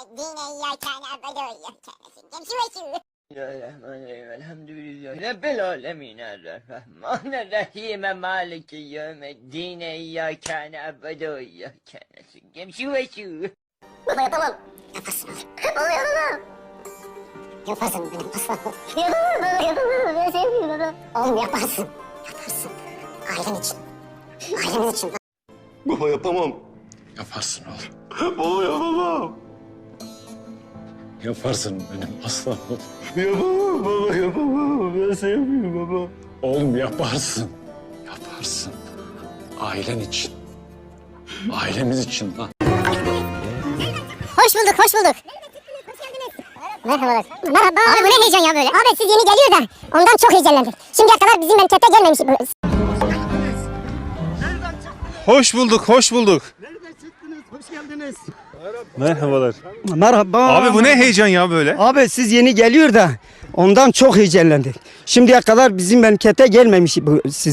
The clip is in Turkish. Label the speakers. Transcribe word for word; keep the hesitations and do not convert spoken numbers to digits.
Speaker 1: dine iyyâkâne abede ve iyyâkâne nestaîn. Şu ve şu.
Speaker 2: Bismillahirrahmanirrahim. Elhamdülillah. Rabbil alemin. Errahmanirrahim. Maliki yevmiddin. İyyâkâne abudu ve iyyâkâne nestaîn. Şu ve şu.
Speaker 1: Baba yapamam. Yaparsın oğlum. Baba yapamam. Yaparsın benim aslanım. Yapamam baba yapamam. Ben sevmiyorum baba. Oğlum yaparsın. Yaparsın. Ailen için. Ailemiz için.
Speaker 3: Baba yapamam.
Speaker 4: Yaparsın oğlum.
Speaker 3: Baba yapamam.
Speaker 4: Yaparsın benim aslanım.
Speaker 3: Yapamam baba yapamam. Ben sevmiyorum baba.
Speaker 4: Oğlum yaparsın. Yaparsın. Ailen için. Ailemiz için lan.
Speaker 1: Hoş bulduk, hoş bulduk. Merhabalar. Merhaba. Abi bu ne heyecan ya böyle? Abi siz yeni geliyor da ondan çok heyecanlandık. Şimdiye kadar bizim memlekete gelmemiş.
Speaker 5: Hoş bulduk, hoş bulduk.
Speaker 6: Nereden çıktınız? Hoş geldiniz.
Speaker 5: Merhabalar.
Speaker 6: Merhaba.
Speaker 5: Abi bu ne heyecan ya böyle?
Speaker 6: Abi siz yeni geliyor da ondan çok heyecanlandık. Şimdiye kadar bizim memlekete gelmemiş bu siz.